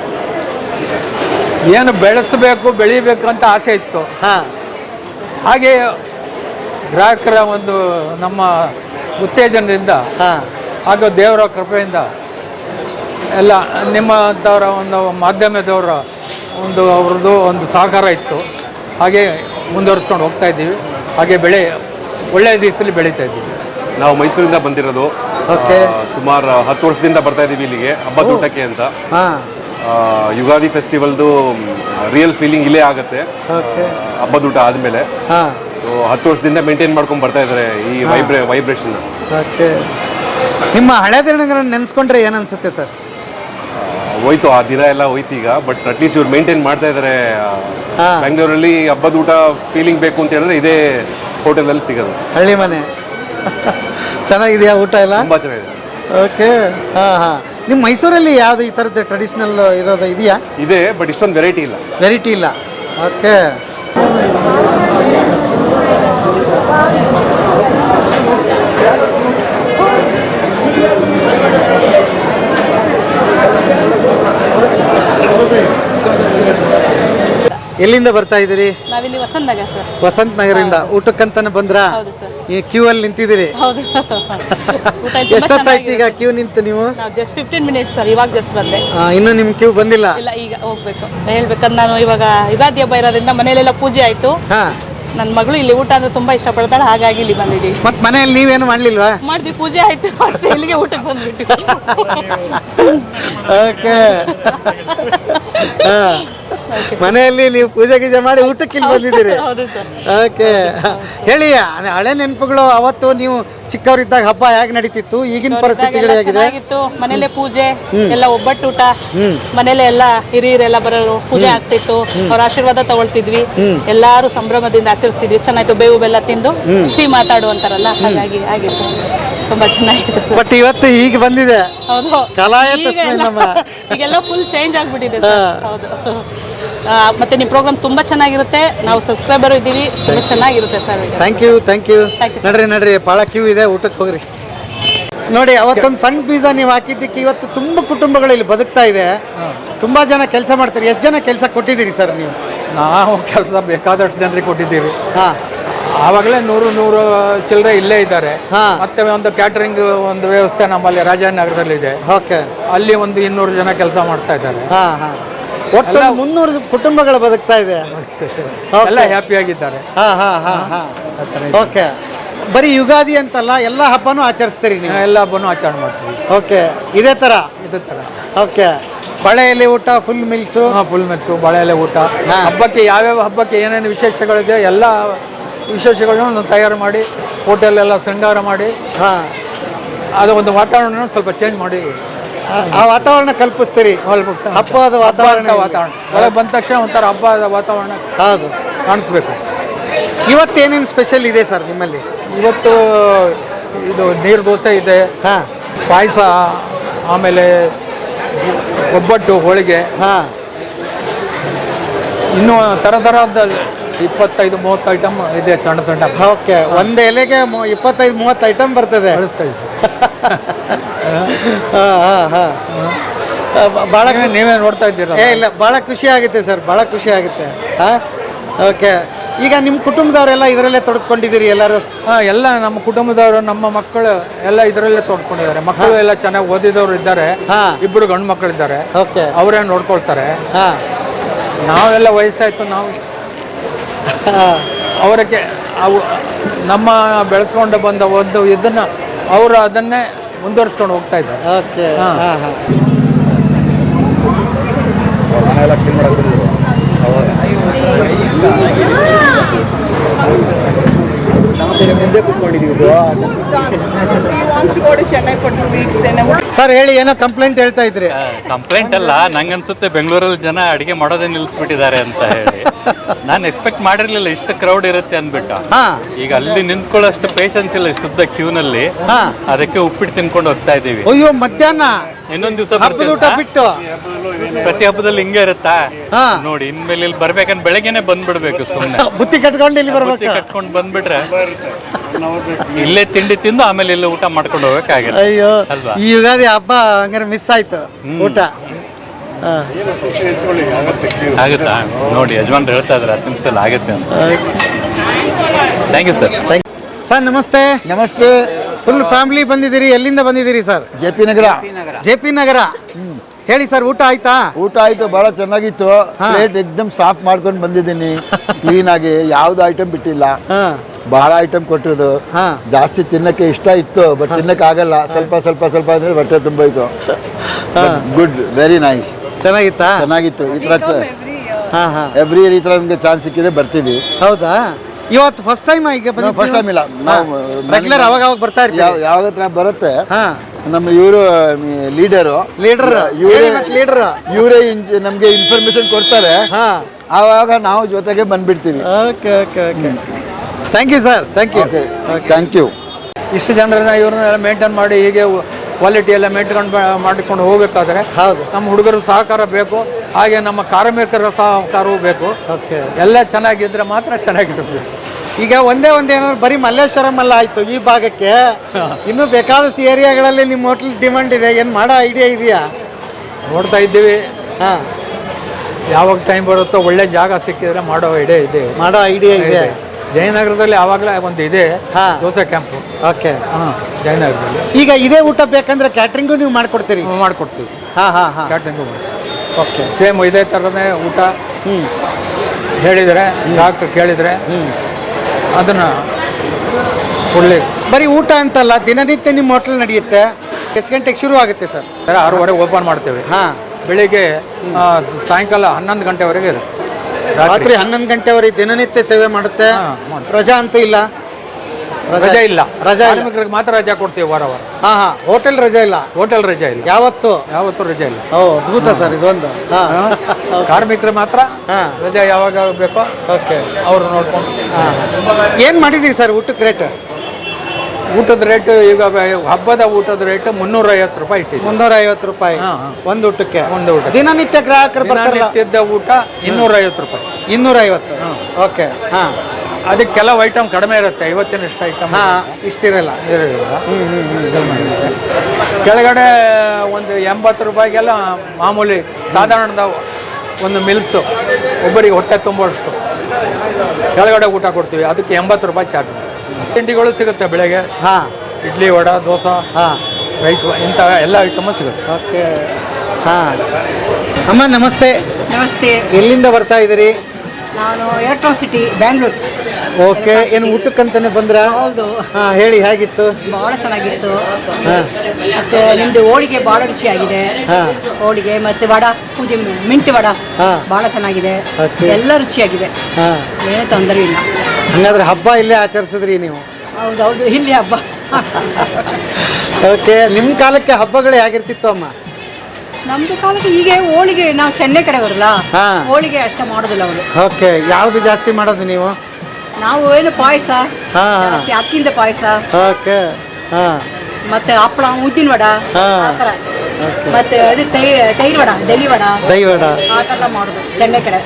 S5: ಏನು ಬೆಳೆಸಬೇಕು, ಬೆಳಿಬೇಕು ಅಂತ ಆಸೆ ಇತ್ತು.
S3: ಹಾ
S5: ಹಾಗೆ ಗ್ರಾಹಕರ ಒಂದು ನಮ್ಮ ಉತ್ತೇಜನದಿಂದ
S3: ಹಾ
S5: ಹಾಗೂ ದೇವರ ಕೃಪೆಯಿಂದ ಎಲ್ಲ ನಿಮ್ಮಂಥವರ ಒಂದು ಮಾಧ್ಯಮದವರ ಅವ್ರದ್ದು ಒಂದು ಸಹಕಾರ ಇತ್ತು. ಹಾಗೆ ಮುಂದುವರಿಸ್ಕೊಂಡು ಹೋಗ್ತಾ ಇದ್ದೀವಿ. ಹಾಗೆ ಒಳ್ಳೆಯ ರೀತಿಯಲ್ಲಿ ಬೆಳೀತಾ ಇದ್ದೀವಿ.
S9: ನಾವು ಮೈಸೂರಿಂದ ಬಂದಿರೋದು.
S3: ಓಕೆ.
S9: ಸುಮಾರು 10 ವರ್ಷದಿಂದ ಬರ್ತಾ ಇದ್ದೀವಿ ಇಲ್ಲಿಗೆ ಹಬ್ಬದ ಊಟಕ್ಕೆ ಅಂತ.
S3: ಹಾ
S9: ಯುಗಾದಿ ಫೆಸ್ಟಿವಲ್ದು ರಿಯಲ್ ಫೀಲಿಂಗ್ ಇಲ್ಲೇ ಆಗುತ್ತೆ
S3: ಓಕೆ.
S9: ಹಬ್ಬದ ಊಟ ಆದಮೇಲೆ.
S3: ಹಾ
S9: ಸೊ 10 ವರ್ಷದಿಂದ ಮೇಂಟೈನ್ ಮಾಡ್ಕೊಂಡು ಬರ್ತಾ ಇದ್ದಾರೆ ಈ ವೈಬ್ರೇಷನ್.
S3: ಓಕೆ. ನಿಮ್ಮ ಹಳೆ ದಿನಗಳನ್ನು ನೆನೆಸ್ಕೊಂಡ್ರೆ ಏನು ಅನ್ಸುತ್ತೆ ಸರ್?
S9: ಹೋಯ್ತು, ಆ ದಿನ ಎಲ್ಲ ಹೋಯ್ತು ಈಗ. ಬಟ್ ಅಟ್ಲೀಸ್ಟ್ ಇವ್ರು ಮೇಂಟೈನ್ ಮಾಡ್ತಾ ಇದ್ದಾರೆ.
S3: ಹಾ.
S9: ಬೆಂಗಳೂರಲ್ಲಿ ಹಬ್ಬದ ಊಟ ಫೀಲಿಂಗ್ ಬೇಕು ಅಂತ ಹೇಳಿದ್ರೆ ಇದೇ ಹೋಟೆಲಲ್ಲಿ ಸಿಗೋದು.
S3: ಹಳ್ಳಿ ಮನೆ ಚೆನ್ನಾಗಿದೆಯಾ ಊಟ ಎಲ್ಲ?
S9: ತುಂಬ ಚೆನ್ನಾಗಿದೆ.
S3: ಓಕೆ. ಹಾಂ ಹಾಂ. ನಿಮ್ಮ ಮೈಸೂರಲ್ಲಿ ಯಾವುದು ಈ ಥರದ್ದು ಟ್ರೆಡಿಷ್ನಲ್ ಇರೋದು ಇದೆಯಾ?
S9: ಇದೆ, ಬಟ್ ಇಷ್ಟೊಂದು ವೆರೈಟಿ ಇಲ್ಲ.
S3: ವೆರೈಟಿ ಇಲ್ಲ. ಓಕೆ. ಎಲ್ಲಿಂದ ಬರ್ತಾ ಇದ್ದೀರಿ?
S10: ನಾವಿಲ್ಲಿ ವಸಂತ ನಗರ್ ಸರ್.
S3: ವಸಂತ ನಗರಿಂದ ಊಟಕ್ಕಂತಾನೆ ಬಂದ್ರಾ?
S10: ಹೌದು ಸರ್.
S3: ಈ ಕ್ಯೂ ಅಲ್ಲಿ ನಿಂತಿದ್ದೀರಿ?
S10: ಹೌದು. ಊಟ ಇಲ್ಲಿ ತುಂಬಾ
S3: ಎಷ್ಟೊತ್ತಾಯ್ತು ಈಗ ಕ್ಯೂ ನಿಂತು ನೀವು?
S10: ನಾವು ಜಸ್ಟ್ 15 ಮಿನಿಟ್ಸ್ ಸರ್, ಇವಾಗ ಜಸ್ಟ್ ಬಂದೆ.
S3: ಇನ್ನು ನಿಮ್ಮ ಕ್ಯೂ ಬಂದಿಲ್ಲ?
S10: ಇಲ್ಲ, ಈಗ ಹೋಗ್ಬೇಕು. ಹೇಳ್ಬೇಕಂದ್ರೆ ನಾನು ಇವಾಗ ಯುಗಾದಿ ಹಬ್ಬ ಇರೋದ್ರಿಂದ ಮನೆಯಲ್ಲೆಲ್ಲ ಪೂಜೆ ಆಯ್ತು.
S3: ಹಾ.
S10: ನನ್ನ ಮಗಳು ಇಲ್ಲಿ ಊಟ ಅಂದ್ರೆ ತುಂಬಾ ಇಷ್ಟಪಡ್ತಾಳೆ, ಹಾಗಾಗಿ ಇಲ್ಲಿ ಬಂದಿದ್ದೀವಿ.
S3: ಮತ್ ಮನೆಯಲ್ಲಿ ನೀವೇನು ಮಾಡ್ಲಿಲ್ವಾ?
S10: ಮಾಡಿದ್ವಿ, ಪೂಜೆ ಆಯ್ತು ಅಷ್ಟೇ, ಇಲ್ಲಿಗೆ ಊಟಕ್ಕೆ ಬಂದ್ಬಿಟ್ಟು.
S3: ಓಕೆ. ಮನೆಯಲ್ಲಿ ನೀವು ಪೂಜೆ ಗೀಜೆ ಮಾಡಿ ಊಟಕ್ಕೆ ಇಲ್ಲಿ ಬಂದಿದ್ದೀರಿ?
S10: ಹೌದು ಸರ್.
S3: ಓಕೆ. ಹೇಳಿ, ಹಳೆ ನೆನಪುಗಳು, ಅವತ್ತು ನೀವು ಚಿಕ್ಕವರಿದ್ದಾಗ ಹಬ್ಬ ಹೇಗೆ ನಡೀತಿತ್ತು, ಈಗಿನ ಪರಿಸ್ಥಿತಿಗಳು ಹೇಗಿದೆ?
S10: ಚೆನ್ನಾಗಿತ್ತು. ಮನೇಲೆ ಪೂಜೆ ಎಲ್ಲ, ಒಬ್ಬಟ್ಟು ಊಟ, ಮನೇಲೆ ಎಲ್ಲ ಹಿರಿಯರೆಲ್ಲ ಬರೋರು, ಪೂಜೆ ಆಗ್ತಿತ್ತು, ಅವ್ರ ಆಶೀರ್ವಾದ ತಗೊಳ್ತಿದ್ವಿ, ಎಲ್ಲಾರು ಸಂಭ್ರಮದಿಂದ ಆಚರಿಸ್ತಿದ್ವಿ. ಚೆನ್ನಾಯ್ತು, ಬೇವು ಬೆಲ್ಲ ತಿಂದು ಸಿಹಿ ಮಾತಾಡುವಂತಾರಲ್ಲ, ಹಾಗಾಗಿ ಆಗಿತ್ತು, ತುಂಬಾ ಚೆನ್ನಾಗಿದೆ ಸರ್.
S3: ಬಟ್ ಇವತ್ತು ಈಗ ಬಂದಿದೆ.
S10: ಹೌದು.
S3: ಕಲಾಯ ತಸ್ಮೈ ನಮಃ.
S10: ಈಗೆಲ್ಲ ಫುಲ್ ಚೇಂಜ್ ಆಗ್ಬಿಟ್ಟಿದೆ ಸರ್. ಹೌದು. ಮತ್ತೆ ನಿಮ್ಮ ಪ್ರೋಗ್ರಾಮ್ ತುಂಬಾ ಚೆನ್ನಾಗಿರುತ್ತೆ, ನಾವು ಸಬ್ಸ್ಕ್ರೈಬರ್ ಇದ್ದೀವಿ, ತುಂಬಾ ಚೆನ್ನಾಗಿರುತ್ತೆ sir.
S3: Thank you thank you.
S10: Thank you, sir.
S3: ನಡ್ರಿ ಭಾಳ ಕ್ಯೂ ಇದೆ, ಊಟಕ್ಕೆ ಹೋಗ್ರಿ. ನೋಡಿ, ಅವತ್ತೊಂದು ಸಣ್ಣ ಬೀಜ ನೀವು ಹಾಕಿದ್ದಕ್ಕೆ ಇವತ್ತು ತುಂಬ ಕುಟುಂಬಗಳು ಇಲ್ಲಿ ಬದುಕ್ತಾ ಇದೆ. ತುಂಬಾ ಜನ ಕೆಲಸ ಮಾಡ್ತಾರೆ. ಎಷ್ಟು ಜನ ಕೆಲಸ ಕೊಟ್ಟಿದ್ದೀರಿ ಸರ್ ನೀವು?
S5: ನಾವು ಕೆಲಸ ಬೇಕಾದಷ್ಟು ಜನರಿಗೆ ಕೊಟ್ಟಿದ್ದೀವಿ.
S3: ಹಾ.
S5: ಆವಾಗಲೇ 100 ಚಿಲ್ಲರೆ ಇಲ್ಲೇ ಇದ್ದಾರೆ.
S3: ಹಾ.
S5: ಮತ್ತೆ ಒಂದು ಕ್ಯಾಟರಿಂಗ್ ಒಂದು ವ್ಯವಸ್ಥೆ ನಮ್ಮಲ್ಲಿ ರಾಜನಗರದಲ್ಲಿ ಇದೆ.
S3: ಓಕೆ.
S5: ಅಲ್ಲಿ ಒಂದು 200 ಜನ ಕೆಲಸ ಮಾಡ್ತಾ ಇದ್ದಾರೆ.
S3: ಹಾ ಹಾ. ಒಟ್ಟು 300 ಕುಟುಂಬಗಳು ಬದುಕ್ತಾ ಇದೆ.
S5: ಎಲ್ಲ ಹ್ಯಾಪಿ ಆಗಿದ್ದಾರೆ.
S3: ಹಾ ಹಾ ಹಾ ಹಾ. ಓಕೆ. ಬರೀ ಯುಗಾದಿ ಅಂತಲ್ಲ, ಎಲ್ಲ ಹಬ್ಬನೂ ಆಚರಿಸ್ತೀರಿ ನೀವು?
S5: ಎಲ್ಲ ಹಬ್ಬನೂ ಆಚರಣೆ ಮಾಡ್ತೀವಿ.
S3: ಓಕೆ. ಇದೇ ಥರ?
S5: ಇದೇ ಥರ.
S3: ಓಕೆ. ಬಳೆ ಎಲೆ ಊಟ, ಫುಲ್ ಮಿಲ್ಸು?
S5: ಫುಲ್ ಮೆಕ್ಸು, ಬಾಳೆ ಎಲೆ ಊಟ.
S3: ಹಾ.
S5: ಹಬ್ಬಕ್ಕೆ ಯಾವ್ಯಾವ ಹಬ್ಬಕ್ಕೆ ಏನೇನು ವಿಶೇಷಗಳಿದೆ ಎಲ್ಲ ವಿಶೇಷಗಳನ್ನು ತಯಾರು ಮಾಡಿ ಹೋಟೆಲೆಲ್ಲ ಶೃಂಗಾರ ಮಾಡಿ,
S3: ಹಾಂ,
S5: ಅದು ಒಂದು ವಾತಾವರಣ ಸ್ವಲ್ಪ ಚೇಂಜ್ ಮಾಡಿ
S3: ಆ ವಾತಾವರಣ ಕಲ್ಪಿಸ್ತೀರಿ, ಹಬ್ಬದ ವಾತಾವರಣ.
S5: ಒಳಗೆ ಬಂದ ತಕ್ಷಣ ಒಂಥರ ಹಬ್ಬದ ವಾತಾವರಣ
S3: ಹೌದು
S5: ಕಾಣಿಸ್ಬೇಕು.
S3: ಇವತ್ತೇನೇನು ಸ್ಪೆಷಲ್ ಇದೆ ಸರ್ ನಿಮ್ಮಲ್ಲಿ?
S5: ಇವತ್ತು ಇದು ನೀರು ದೋಸೆ ಇದೆ,
S3: ಹಾಂ,
S5: ಪಾಯಸ, ಆಮೇಲೆ ಒಬ್ಬಟ್ಟು, ಹೋಳಿಗೆ,
S3: ಹಾಂ,
S5: ಇನ್ನೂ ಥರದ 25-30 ಐಟಮ್ ಇದೆ, ಸಣ್ಣ ಸಣ್ಣ.
S3: ಓಕೆ. ಒಂದು ಎಲೆಗೆ 25-30 ಐಟಮ್ ಬರ್ತದೆ.
S5: ಕಳಿಸ್ತಾ ಇದ್ದೀವಿ.
S3: ಭಾಳ
S5: ನೀವೇ ನೋಡ್ತಾ ಇದ್ದೀರಾ?
S3: ಇಲ್ಲ, ಭಾಳ ಖುಷಿ ಆಗುತ್ತೆ ಸರ್, ಭಾಳ ಖುಷಿ ಆಗುತ್ತೆ. ಹಾಂ, ಓಕೆ. ಈಗ ನಿಮ್ಮ ಕುಟುಂಬದವರೆಲ್ಲ ಇದರಲ್ಲೇ ತೊಡ್ಕೊಂಡಿದ್ದೀರಿ ಎಲ್ಲರೂ?
S5: ಎಲ್ಲ ನಮ್ಮ ಕುಟುಂಬದವರು, ನಮ್ಮ ಮಕ್ಕಳು ಎಲ್ಲ ಇದರಲ್ಲೇ ತೊಡ್ಕೊಂಡಿದ್ದಾರೆ. ಮಕ್ಕಳು ಎಲ್ಲ ಚೆನ್ನಾಗಿ ಓದಿದವರು ಇದ್ದಾರೆ, ಇಬ್ಬರು ಗಂಡು ಮಕ್ಕಳು ಇದ್ದಾರೆ,
S3: ಓಕೆ,
S5: ಅವರೇ ನೋಡ್ಕೊಳ್ತಾರೆ.
S3: ಹಾಂ,
S5: ನಾವೆಲ್ಲ ವಯಸ್ಸಾಯ್ತು, ನಾವು ಅವರಿಗೆ ಅವು ನಮ್ಮ ಬೆಳೆಸ್ಕೊಂಡು ಬಂದ ಒಂದು ಇದನ್ನ ಅವರು ಅದನ್ನೇ ಮುಂದುವರಿಸ್ಕೊಂಡು ಹೋಗ್ತಾ ಇದ್ದಾರೆ.
S3: ಓಕೆ. ಹಾಂ ಹಾಂ
S5: ಮುಂದೆ ಕೂತ್ಕೊಂಡಿದ್ದೀವಿ.
S3: ಸರ್ ಹೇಳಿ, ಏನೋ ಕಂಪ್ಲೇಂಟ್ ಹೇಳ್ತಾ ಇದ್ರಿ?
S11: ಕಂಪ್ಲೇಂಟ್ ಅಲ್ಲ, ನಂಗನ್ಸುತ್ತೆ ಬೆಂಗಳೂರಲ್ಲಿ ಜನ ಅಡಿಗೆ ಮಾಡೋದೇ ನಿಲ್ಲಿಸ್ಬಿಟ್ಟಿದ್ದಾರೆ ಅಂತ ಹೇಳಿ. ನಾನು ಎಕ್ಸ್ಪೆಕ್ಟ್ ಮಾಡಿರ್ಲಿಲ್ಲ ಇಷ್ಟು ಕ್ರೌಡ್ ಇರುತ್ತೆ ಅಂದ್ಬಿಟ್ಟು. ಈಗ ಅಲ್ಲಿ ನಿಂತ್ಕೊಳ್ಳೋಷ್ಟು ಪೇಷನ್ಸ್ ಇಲ್ಲ ಇಷ್ಟುದ್ದ ಕ್ಯೂನಲ್ಲಿ. ಅದಕ್ಕೆ ಉಪ್ಪಿಟ್ಟು ತಿನ್ಕೊಂಡು ಹೋಗ್ತಾ ಇದೀವಿ.
S3: ಅಯ್ಯೋ, ಮಧ್ಯಾಹ್ನ
S11: ಇನ್ನೊಂದು ದಿವಸ
S3: ಹಬ್ಬದ ಊಟ ಬಿಟ್ಟು
S11: ಪ್ರತಿ ಹಬ್ಬದಲ್ಲಿ ಹಿಂಗೆ ಇರುತ್ತಾ ನೋಡಿ. ಇನ್ಮೇಲೆ ಇಲ್ಲಿ ಬರ್ಬೇಕಂದ್ರೆ ಬೆಳಗ್ಗೆನೆ ಬಂದ್ಬಿಡ್ಬೇಕು. ಸುಮ್ಮನೆ
S3: ಬುತ್ತಿ ಕಟ್ಕೊಂಡು ಇಲ್ಲಿ ಬರ್ಬೇಕು,
S11: ಕಟ್ಕೊಂಡು ಬಂದ್ಬಿಟ್ರೆ ಇಲ್ಲೇ ತಿಂಡಿ ತಿಂದು ಆಮೇಲೆ ಇಲ್ಲಿ ಊಟ ಮಾಡ್ಕೊಂಡು ಹೋಗಕ್ಕಾಗಲ್ಲ.
S3: ಅಯ್ಯೋ,
S11: ಅಲ್ವಾ?
S3: ಈ ಯುಗಾದಿ ಹಬ್ಬ ಹಂಗಾರೆ ಮಿಸ್ ಆಯ್ತು ಊಟ.
S11: ಆಗುತ್ತಾ ನೋಡಿ, ಯಜಮಾನ್ರು ಹೇಳ್ತಾ ಇದ್ರೆ 10 ನಿಮಿಷದಲ್ಲಿ ಆಗುತ್ತೆ ಅಂತ. Thank you sir.
S3: ಸರ್ ನಮಸ್ತೆ.
S12: ನಮಸ್ತೆ.
S3: ಫುಲ್ ಫ್ಯಾಮಿಲಿ ಬಂದಿದ್ದೀರಿ, ಎಲ್ಲಿಂದ ಬಂದಿದ್ದೀರಿ sir?
S12: JP Nagar.
S3: JP Nagar. ಹೇಳಿ ಸರ್, ಊಟ ಆಯ್ತಾ?
S12: ಊಟ ಆಯ್ತು, ಬಹಳ ಚೆನ್ನಾಗಿತ್ತು. ಪ್ಲೇಟ್ ಎಕ್ದಮ್ ಸಾಫ್ಟ್ ಮಾಡ್ಕೊಂಡು ಬಂದಿದ್ದೀನಿ, ಕ್ಲೀನ್ ಆಗಿ, ಯಾವ್ದು ಐಟಮ್ ಬಿಟ್ಟಿಲ್ಲ. ಬಹಳ ಐಟಮ್ ಕೊಟ್ಟಿರೋದು. ಜಾಸ್ತಿ ತಿನ್ನಕ್ಕೆ ಇಷ್ಟ ಇತ್ತು, ಬಟ್ ತಿನ್ನಕ್ಕೆ ಆಗಲ್ಲ. ಸ್ವಲ್ಪ ಸ್ವಲ್ಪ ಸ್ವಲ್ಪ ಅಂದ್ರೆ ಹೊಟ್ಟೆ ತುಂಬೋಯ್ತು. Good, very nice.
S3: ಚೆನ್ನಾಗಿತ್ತಾ?
S12: ಚೆನ್ನಾಗಿತ್ತು. ಈ ತರ ಎವ್ರಿ ಇಯರ್ ಈ ತರ ನಮ್ಗೆ ಚಾನ್ಸ್ ಸಿಕ್ಕಿದ್ರೆ ಬರ್ತೀವಿ.
S3: ಹೌದಾ? ಇವತ್ತು ಫಸ್ಟ್ ಟೈಮ್ ಈಗ
S12: ಫಸ್ಟ್ ಟೈಮ್ ಇಲ್ಲ, ನಾವು
S3: ರೆಗ್ಯುಲರ್ ಅವಾಗ ಅವಾಗ ಬರ್ತಾ ಇರ್ತೀವಿ.
S12: ಯಾವಾಗ ಹತ್ರ ಬರುತ್ತೆ. ನಮ್ಮ ಇವರು ಲೀಡರ್ ಇವರೇ ನಮ್ಗೆ ಇನ್ಫಾರ್ಮೇಶನ್ ಕೊಡ್ತಾರೆ. ಆವಾಗ ನಾವು ಜೊತೆಗೆ ಬಂದ್ಬಿಡ್ತೀವಿ.
S3: Okay okay okay. Thank you sir, thank you.
S12: Thank you.
S5: ಇಷ್ಟು ಜನರನ್ನ ಇವ್ರನ್ನೆಲ್ಲ ಮೇಂಟೈನ್ ಮಾಡಿ ಹೀಗೆ ಕ್ವಾಲಿಟಿ ಎಲ್ಲ ಮೇಂಟೈನ್ ಮಾಡಿಕೊಂಡು ಹೋಗ್ಬೇಕಾದ್ರೆ
S3: ಹೌದು,
S5: ನಮ್ಮ ಹುಡುಗರ ಸಹಕಾರ ಬೇಕು, ಹಾಗೆ ನಮ್ಮ ಕಾರ್ಮಿಕರ ಸಹಕಾರವೂ ಬೇಕು.
S3: ಓಕೆ,
S5: ಎಲ್ಲ ಚೆನ್ನಾಗಿದ್ರೆ ಮಾತ್ರ ಚೆನ್ನಾಗಿರುತ್ತೆ.
S3: ಈಗ ಒಂದೇ ಏನಾದ್ರು ಬರೀ ಮಲ್ಲೇಶ್ವರಂ ಅಲ್ಲ ಆಯ್ತು, ಈ ಭಾಗಕ್ಕೆ ಇನ್ನೂ ಬೇಕಾದಷ್ಟು ಏರಿಯಾಗಳಲ್ಲಿ ನಿಮ್ಮ ಹೋಟ್ಲ್ ಡಿಮಾಂಡ್ ಇದೆ. ಏನು ಮಾಡೋ ಐಡಿಯಾ ಇದೆಯಾ?
S5: ನೋಡ್ತಾ ಇದ್ದೀವಿ.
S3: ಹಾಂ,
S5: ಯಾವಾಗ ಟೈಮ್ ಬರುತ್ತೋ ಒಳ್ಳೆ ಜಾಗ ಸಿಕ್ಕಿದ್ರೆ ಮಾಡೋ ಐಡಿಯಾ ಇದೆ.
S3: ಇದೆ.
S5: ಜಯನಗರದಲ್ಲಿ ಆವಾಗಲೇ ಒಂದು ಇದೆ ದೋಸೆ ಕ್ಯಾಂಪು.
S3: ಓಕೆ.
S5: ಜಯನಗರದಲ್ಲಿ
S3: ಈಗ ಇದೇ ಊಟ ಬೇಕಂದ್ರೆ ಕ್ಯಾಟ್ರಿಂಗು ನೀವು ಮಾಡ್ಕೊಡ್ತೀರಿ?
S5: ಮಾಡ್ಕೊಡ್ತೀವಿ. Catering
S3: okay.
S5: ಸೇಮ್ ಇದೇ ಥರನೇ ಊಟ ಹೇಳಿದರೆ, ಡಾಕ್ಟ್ರು ಕೇಳಿದರೆ ಅದನ್ನು ಒಳ್ಳೆ.
S3: ಬರೀ ಊಟ ಅಂತಲ್ಲ, ದಿನನಿತ್ಯ ನಿಮ್ಮ ಹೋಟ್ಲ್ ನಡೆಯುತ್ತೆ. ಎಷ್ಟು ಗಂಟೆಗೆ ಶುರು ಆಗುತ್ತೆ ಸರ್?
S5: 6:30 ಓಪನ್ ಮಾಡ್ತೇವೆ. ಬೆಳಿಗ್ಗೆ ಸಾಯಂಕಾಲ 11 ಗಂಟೆವರೆಗೆ ಇರುತ್ತೆ.
S3: ರಾತ್ರಿ 11 ಗಂಟೆವರೆಗೆ ದಿನನಿತ್ಯ ಸೇವೆ ಮಾಡುತ್ತೆ. ರಜಾ ಅಂತೂ ಇಲ್ಲ?
S5: ರಜಾ ಇಲ್ಲ. ಕಾರ್ಮಿಕರಿಗೆ ಮಾತ್ರ ರಜಾ ಕೊಡ್ತೀವಿ ವಾರ.
S3: ಹೋಟೆಲ್ ರಜಾ ಇಲ್ಲ?
S5: ಹೋಟೆಲ್ ರಜಾ ಇಲ್ಲ, ಯಾವತ್ತು ರಜಾ ಇಲ್ಲ.
S3: ಓ, ಅದ್ಭುತ ಸರ್ ಇದೊಂದು.
S5: ಕಾರ್ಮಿಕರು ಮಾತ್ರ ರಜಾ ಯಾವಾಗ ಬೇಕೋ
S3: ಓಕೆ,
S5: ಅವರು ನೋಡ್ಕೊಂಡು.
S3: ಏನು ಮಾಡಿದ್ದೀರಿ ಸರ್ ಊಟಕ್ಕೆ ರೇಟ್?
S5: ಊಟದ ರೇಟ್ ಈಗ ಹಬ್ಬದ ಊಟದ ರೇಟ್ 350 ರೂಪಾಯಿ ಇಟ್ಟಿದೆ.
S3: 350 ರೂಪಾಯಿ ಒಂದು ಊಟಕ್ಕೆ?
S5: ಒಂದು ಊಟ.
S3: ದಿನನಿತ್ಯ ಗ್ರಾಹಕರು ಬರ್ತಾರಲ್ಲ,
S5: ನಿತ್ಯದ ಊಟ 250 ರೂಪಾಯಿ.
S3: 250. ಓಕೆ. ಹಾಂ,
S5: ಅದಕ್ಕೆ ಕೆಲವು ಐಟಮ್ ಕಡಿಮೆ ಇರುತ್ತೆ. ಇವತ್ತಿನಷ್ಟು ಐಟಮ್
S3: ಇಷ್ಟಿರಲ್ಲ.
S5: ಕೆಳಗಡೆ ಒಂದು 80 ರೂಪಾಯಿಗೆಲ್ಲ ಮಾಮೂಲಿ ಸಾಧಾರಣದ ಒಂದು ಮಿಲ್ಸು, ಒಬ್ಬರಿಗೆ ಹೊಟ್ಟೆ ತುಂಬುವಷ್ಟು ಕೆಳಗಡೆ ಊಟ ಕೊಡ್ತೀವಿ. ಅದಕ್ಕೆ 80 ರೂಪಾಯಿ ಚಾರ್ಜ್. ತಿಂಡಿಗಳು ಸಿಗುತ್ತೆ ಬೆಳಗ್ಗೆ. ಇಡ್ಲಿ, ವಡೆ, ದೋಸೆ, ರೈಸ್, ಇಂಥ ಎಲ್ಲ ಐಟಮು ಸಿಗುತ್ತೆ.
S3: ಓಕೆ. ಅಮ್ಮ ನಮಸ್ತೆ.
S13: ನಮಸ್ತೆ.
S3: ಎಲ್ಲಿಂದ ಬರ್ತಾ ಇದ್ದೀರಿ?
S13: ನಾನು ಎಲೆಕ್ಟ್ರಾಸಿಟಿ, ಬ್ಯಾಂಗ್ಳೂರು.
S3: ಓಕೆ. ಏನು ಊಟಕ್ಕಂತಾನೆ ಬಂದ್ರ?
S13: ಹೌದು.
S3: ಹೇಳಿ, ಹೇಗಿತ್ತು?
S13: ಬಹಳ ಚೆನ್ನಾಗಿತ್ತು. ಮತ್ತೆ ನಿಮ್ದು ಹೋಳಿಗೆ ಬಹಳ ರುಚಿಯಾಗಿದೆ. ಹೋಳಿಗೆ ಮತ್ತೆ ವಡ, ಪೂಜೆ ಮಿಂಟ್ ವಡ ಬಹಳ ಚೆನ್ನಾಗಿದೆ. ಎಲ್ಲ ರುಚಿಯಾಗಿದೆ, ಏನು ತೊಂದರೆ ಇಲ್ಲ.
S3: ಹಂಗಾದ್ರೆ ಹಬ್ಬ ಇಲ್ಲೇ ಆಚರಿಸಿದ್ರಿ ನೀವು?
S13: ಹೌದೌದು, ಇಲ್ಲಿ ಹಬ್ಬ.
S3: ಓಕೆ. ನಿಮ್ಮ ಕಾಲಕ್ಕೆ ಹಬ್ಬಗಳು ಹೇಗಿರ್ತಿತ್ತು ಅಮ್ಮ?
S13: ನಮ್ದು ಕಾಲಕ್ಕೆ ಈಗ ಹೋಳಿಗೆ, ನಾವು ಚೆನ್ನೈ ಕಡೆ ಬರಲ್ಲ, ಹೋಳಿಗೆ ಅಷ್ಟೇ ಮಾಡೋದಿಲ್ಲ ಅವರು.
S3: ಓಕೆ. ಯಾವುದು ಜಾಸ್ತಿ ಮಾಡೋದು ನೀವು?
S13: ನಾವು ಏನು ಪಾಯಸ, ಅಕ್ಕಿಂದ ಪಾಯಸ.
S3: ಓಕೆ.
S13: ಮತ್ತೆ ಹಪ್ಪಳ, ಉದ್ದಿನ ವಡ, ಮತ್ತೆ ಅದು ತೈರು ವಡ, ದಹಿ ವಡ ಆ ಥರ ಮಾಡೋದು ಚೆನ್ನೈ ಕಡೆ.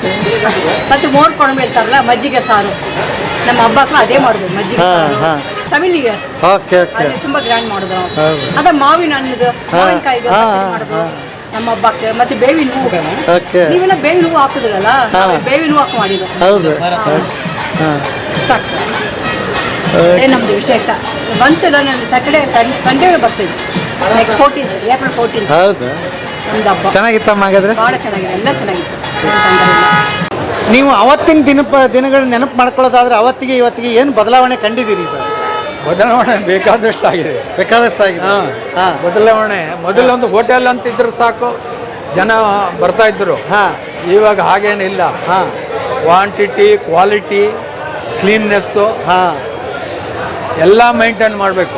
S13: ಮತ್ತೆ ಮೋರ್ ಕೊಡಂಬ ಇರ್ತಾರಲ್ಲ, ಮಜ್ಜಿಗೆ ಸಾರು. ನಮ್ಮ ಹಬ್ಬಕ್ಕೂ ಅದೇ ಮಾಡೋದು, ಮಜ್ಜಿಗೆ ಸಾರು. ತಮಿಳಿಗೆ
S3: ಓಕೆ ಓಕೆ
S13: ಅಲ್ಲಿ ತುಂಬಾ ಗ್ರ್ಯಾಂಡ್ ಮಾಡೋದು ನಾವು.
S3: ಹೌದು.
S13: ಅದ ಮಾವಿನ ಹಣ್ಣದು ಮಾವಿನಕಾಯಿದು ಪಚ್ಚಡಿ ಮಾಡೋದು ನಮ್ಮ ಹಬ್ಬಕ್ಕೆ. ಮತ್ತೆ ಬೇವಿನ ಹೂವು,
S3: ಓಕೆ
S13: ನೀವೆಲ್ಲ ಬೇವಿನ ಹೂವು ಹಾಕಿದ್ರಲ್ಲ, ನಾವು ಬೇವಿನ ಹೂವು ಹಾಕಿ ಮಾಡಿದ್ದು.
S3: ಹೌದು ಹಾಂ
S13: ಸಾಕು ಸರ್. ಅದೇ ನಮ್ದು ವಿಶೇಷ. ಬಂತಲ್ಲ ನಾನು ಸ್ಯಾಟರ್ಡೇ ಸಂಡೇ ಬರ್ತೀವಿ. ನೆಕ್ಸ್ಟ್ 14 ಏಪ್ರಿಲ್ 14
S3: ಹೌದು.
S13: ನಮ್ದು ಹಬ್ಬ
S3: ಚೆನ್ನಾಗಿತ್ತಮ್ಮ ಹಾಗಾದ್ರೆ?
S13: ಭಾಳ ಚೆನ್ನಾಗಿದೆ, ಎಲ್ಲ ಚೆನ್ನಾಗಿತ್ತು, ಏನ್ ತೊಂದ್ರೆ ಇಲ್ಲ.
S3: ನೀವು ಅವತ್ತಿನ ದಿನಗಳು ನೆನಪು ಮಾಡ್ಕೊಳ್ಳೋದಾದ್ರೆ ಅವತ್ತಿಗೆ ಇವತ್ತಿಗೆ ಏನು ಬದಲಾವಣೆ ಕಂಡಿದ್ದೀರಿ ಸರ್?
S5: ಬದಲಾವಣೆ ಬೇಕಾದಷ್ಟು ಆಗಿದೆ.
S3: ಬೇಕಾದಷ್ಟು ಆಗಿದೆ. ಹಾಂ
S5: ಬದಲಾವಣೆ ಮೊದಲೊಂದು ಹೋಟೆಲ್ ಅಂತಿದ್ರು ಸಾಕು, ಜನ ಬರ್ತಾ ಇದ್ರು. ಇವಾಗ ಹಾಗೇನಿಲ್ಲ. ಕ್ವಾಂಟಿಟಿ, ಕ್ವಾಲಿಟಿ, ಕ್ಲೀನ್ನೆಸ್ಸು ಎಲ್ಲ ಮೈಂಟೈನ್ ಮಾಡಬೇಕು.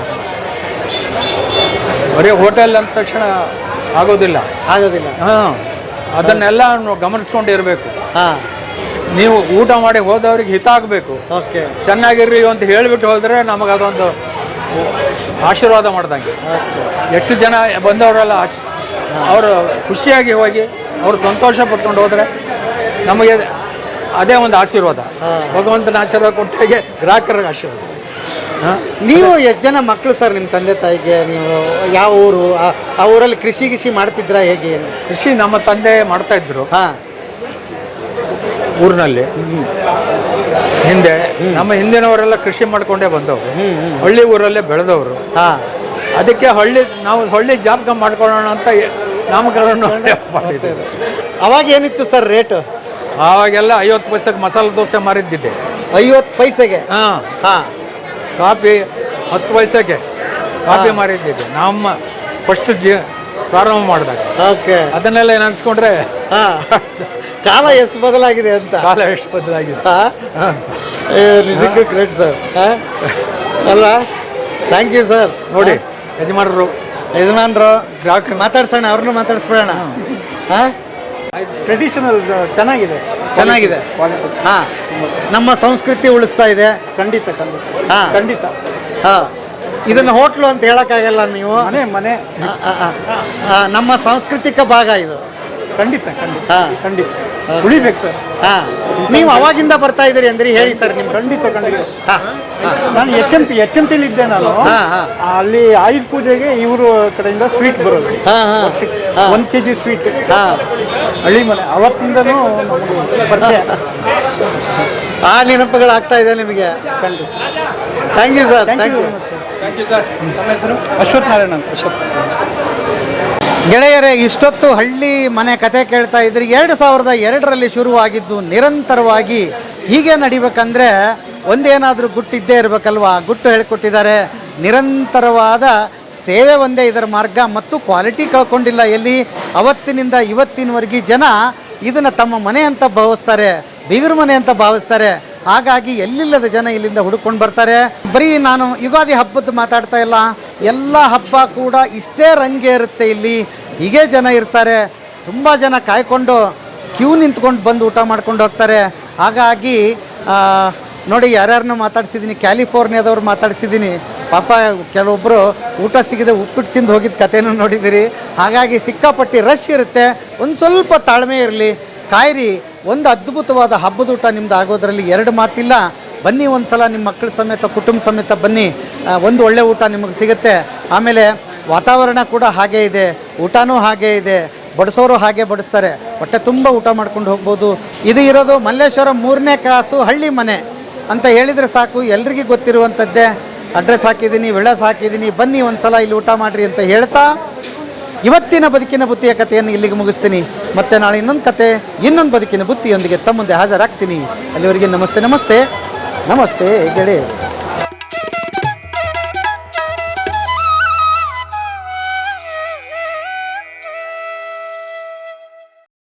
S5: ಬರೀ ಹೋಟೆಲ್ ಅಂದ ತಕ್ಷಣ ಆಗೋದಿಲ್ಲ. ಅದನ್ನೆಲ್ಲ ಗಮನಿಸ್ಕೊಂಡು ಇರಬೇಕು. ನೀವು ಊಟ ಮಾಡಿ ಹೋದವ್ರಿಗೆ ಹಿತ ಆಗಬೇಕು.
S3: ಓಕೆ,
S5: ಚೆನ್ನಾಗಿರ್ರಿ ಅಂತ ಹೇಳಿಬಿಟ್ಟು ಹೋದರೆ ನಮಗೆ ಅದೊಂದು ಆಶೀರ್ವಾದ ಮಾಡ್ದಂಗೆ. ಎಷ್ಟು ಜನ ಬಂದವರೆಲ್ಲ ಅವರು ಖುಷಿಯಾಗಿ ಹೋಗಿ ಅವರು ಸಂತೋಷ ಪಟ್ಕೊಂಡು ಹೋದರೆ ನಮಗೆ ಅದೇ ಒಂದು ಆಶೀರ್ವಾದ. ಭಗವಂತನ ಆಶೀರ್ವಾದ ಕೊಟ್ಟಾಗೆ ಗ್ರಾಹಕರಿಗೆ ಆಶೀರ್ವಾದ.
S3: ನೀವು ಎಷ್ಟು ಜನ ಮಕ್ಕಳು ಸರ್ ನಿಮ್ಮ ತಂದೆ ತಾಯಿಗೆ? ನೀವು ಯಾವ ಊರು? ಆ ಊರಲ್ಲಿ ಕೃಷಿ ಮಾಡ್ತಿದ್ರಾ ಹೇಗೆ?
S5: ಕೃಷಿ ನಮ್ಮ ತಂದೆ ಮಾಡ್ತಾ ಇದ್ರು ಊರಿನಲ್ಲಿ. ಹಿಂದೆ ನಮ್ಮ ಹಿಂದಿನವರೆಲ್ಲ ಕೃಷಿ ಮಾಡ್ಕೊಂಡೇ ಬಂದವರು, ಹಳ್ಳಿ ಊರಲ್ಲೇ ಬೆಳೆದವರು. ಅದಕ್ಕೆ ನಾವು ಹಳ್ಳಿ ಜಾಬ್ ಮಾಡ್ಕೊಳ್ಳೋಣ ಅಂತ ನಾಮಕರಣ ಮಾಡಿದ್ದೇವೆ.
S3: ಅವಾಗ ಏನಿತ್ತು ಸರ್ ರೇಟು?
S5: ಆವಾಗೆಲ್ಲ 50 ಪೈಸೆಗೆ ಮಸಾಲೆ ದೋಸೆ ಮಾರಿದ್ದಿದ್ದೆ.
S3: 50 ಪೈಸೆಗೆ?
S5: ಕಾಫಿ 10 ಪೈಸೆಗೆ ಕಾಫಿ ಮಾರಿದ್ದಿದ್ದೆ ನಮ್ಮ ಫಸ್ಟ್ ಪ್ರಾರಂಭ ಮಾಡಿದಾಗ.
S3: ಓಕೆ,
S5: ಅದನ್ನೆಲ್ಲ ನೆನೆಸ್ಕೊಂಡ್ರೆ
S3: ಕಾಲ ಎಷ್ಟು ಬದಲಾಗಿದೆ ಅಂತ.
S5: ಕಾಲ ಎಷ್ಟು ಬದಲಾಗಿದೆ.
S3: ನಿಜಕ್ಕೂ ಗ್ರೇಟ್ ಸರ್. ಅಲ್ಲ, ಥ್ಯಾಂಕ್ ಯು ಸರ್.
S5: ನೋಡಿ ಯಜಮಾನರು
S3: ಗ್ರಾಹಕರು ಮಾತಾಡ್ಸೋಣ, ಅವ್ರನ್ನೂ ಮಾತಾಡಿಸ್ಬಿಡೋಣ.
S5: ಟ್ರೆಡಿಷನಲ್ ಚೆನ್ನಾಗಿದೆ.
S3: ಹಾಂ, ನಮ್ಮ ಸಂಸ್ಕೃತಿ ಉಳಿಸ್ತಾ ಇದೆ.
S5: ಖಂಡಿತ.
S3: ಹಾಂ, ಇದನ್ನು ಹೋಟ್ಲು ಅಂತ ಹೇಳೋಕ್ಕಾಗಲ್ಲ. ನೀವು
S5: ಮನೆ
S3: ನಮ್ಮ ಸಾಂಸ್ಕೃತಿಕ ಭಾಗ ಇದು.
S5: ಖಂಡಿತ ಉಳಿಬೇಕು ಸರ್.
S3: ನೀವು ಅವಾಗಿಂದ ಬರ್ತಾ ಇದ್ದೀರಿ ಅಂದ್ರೆ ಹೇಳಿ ಸರ್. ನಿಮ್ಮ
S5: ಖಂಡಿತ. ನಾನು HMT ಇದ್ದೆ ನಾನು. ಅಲ್ಲಿ ಆಯುಧ ಪೂಜೆಗೆ ಇವರು ಕಡೆಯಿಂದ ಸ್ವೀಟ್ ಬರೋದು. 1 kg ಸ್ವೀಟ್ ಹಳ್ಳಿ ಮನೆ. ಅವತ್ತಿಂದನೂ ಪರಿಚಯ.
S3: ಆ ನೆನಪುಗಳಾಗ್ತಾ ಇದೆ ನಿಮಗೆ. Thank you sir.
S5: Thank you sir. ನಮ್ಮ ಹೆಸರು ಅಶ್ವಥ್ ನಾರಾಯಣ ಅಂತ.
S3: ಗೆಳೆಯರೇ, ಇಷ್ಟೊತ್ತು ಹಳ್ಳಿ ಮನೆ ಕತೆ ಕೇಳ್ತಾ ಇದ್ರಿ. 2002ರಲ್ಲಿ ಶುರುವಾಗಿದ್ದು ನಿರಂತರವಾಗಿ ಹೀಗೆ ನಡಿಬೇಕಂದ್ರೆ ಒಂದೇನಾದರೂ ಗುಟ್ಟಿದ್ದೇ ಇರಬೇಕಲ್ವಾ? ಗುಟ್ಟು ಹೇಳಿಕೊಟ್ಟಿದ್ದಾರೆ. ನಿರಂತರವಾದ ಸೇವೆ ಒಂದೇ ಇದರ ಮಾರ್ಗ, ಮತ್ತು ಕ್ವಾಲಿಟಿ ಕಳ್ಕೊಂಡಿಲ್ಲ ಎಲ್ಲಿ. ಅವತ್ತಿನಿಂದ ಇವತ್ತಿನವರೆಗೆ ಜನ ಇದನ್ನು ತಮ್ಮ ಮನೆ ಅಂತ ಭಾವಿಸ್ತಾರೆ, ಬೀಗರ ಮನೆ ಅಂತ ಭಾವಿಸ್ತಾರೆ. ಹಾಗಾಗಿ ಎಲ್ಲಿಲ್ಲದ ಜನ ಇಲ್ಲಿಂದ ಹುಡುಕೊಂಡು ಬರ್ತಾರೆ. ಬರೀ ನಾನು ಯುಗಾದಿ ಹಬ್ಬದ ಮಾತಾಡ್ತಾ ಇಲ್ಲ, ಎಲ್ಲ ಹಬ್ಬ ಕೂಡ ಇಷ್ಟೇ ರಂಗೆ ಇರುತ್ತೆ ಇಲ್ಲಿ. ಹೀಗೆ ಜನ ಇರ್ತಾರೆ. ತುಂಬ ಜನ ಕಾಯ್ಕೊಂಡು ಕ್ಯೂ ನಿಂತ್ಕೊಂಡು ಬಂದು ಊಟ ಮಾಡ್ಕೊಂಡು ಹೋಗ್ತಾರೆ. ಹಾಗಾಗಿ ನೋಡಿ, ಯಾರ್ಯಾರನ್ನೂ ಮಾತಾಡ್ಸಿದ್ದೀನಿ. ಕ್ಯಾಲಿಫೋರ್ನಿಯಾದವ್ರು ಮಾತಾಡ್ಸಿದ್ದೀನಿ. ಪಾಪ ಕೆಲವೊಬ್ಬರು ಊಟ ಸಿಗದೆ ಉಪ್ಪಿಟ್ಟು ತಿಂದು ಹೋಗಿದ್ದ ಕಥೆನೂ ನೋಡಿದ್ದೀರಿ. ಹಾಗಾಗಿ ಸಿಕ್ಕಾಪಟ್ಟಿ ರಶ್ ಇರುತ್ತೆ. ಒಂದು ಸ್ವಲ್ಪ ತಾಳ್ಮೆ ಇರಲಿ, ಕಾಯಿರಿ. ಒಂದು ಅದ್ಭುತವಾದ ಹಬ್ಬದ ಊಟ ನಿಮ್ದು ಆಗೋದ್ರಲ್ಲಿ 2 ಮಾತಿಲ್ಲ. ಬನ್ನಿ, ಒಂದು ಸಲ ನಿಮ್ಮ ಮಕ್ಕಳ ಸಮೇತ ಕುಟುಂಬ ಸಮೇತ ಬನ್ನಿ. ಒಂದು ಒಳ್ಳೆ ಊಟ ನಿಮಗೆ ಸಿಗುತ್ತೆ. ಆಮೇಲೆ ವಾತಾವರಣ ಕೂಡ ಹಾಗೇ ಇದೆ, ಊಟನೂ ಹಾಗೇ ಇದೆ, ಬಡಿಸೋರು ಹಾಗೆ ಬಡಿಸ್ತಾರೆ. ಹೊಟ್ಟೆ ತುಂಬ ಊಟ ಮಾಡ್ಕೊಂಡು ಹೋಗ್ಬೋದು. ಇದು ಇರೋದು ಮಲ್ಲೇಶ್ವರ 3ನೇ ಕ್ರಾಸು ಹಳ್ಳಿ ಮನೆ ಅಂತ ಹೇಳಿದರೆ ಸಾಕು, ಎಲ್ರಿಗೂ ಗೊತ್ತಿರುವಂಥದ್ದೇ. ಅಡ್ರೆಸ್ ಹಾಕಿದ್ದೀನಿ, ವಿಳಾಸ ಹಾಕಿದ್ದೀನಿ. ಬನ್ನಿ, ಒಂದು ಸಲ ಇಲ್ಲಿ ಊಟ ಮಾಡಿರಿ ಅಂತ ಹೇಳ್ತಾ ಇವತ್ತಿನ ಬದುಕಿನ ಬುತ್ತಿಯ ಕಥೆಯನ್ನು ಇಲ್ಲಿಗೆ ಮುಗಿಸ್ತೀನಿ. ಮತ್ತೆ ನಾಳೆ ಇನ್ನೊಂದು ಕತೆ, ಇನ್ನೊಂದು ಬದುಕಿನ ಬುತ್ತಿಯೊಂದಿಗೆ ತಮ್ಮ ಮುಂದೆ ಹಾಜರಾಗ್ತೀನಿ. ಅಲ್ಲಿವರೆಗೆ ನಮಸ್ತೆ ಗೆಳೆಯ.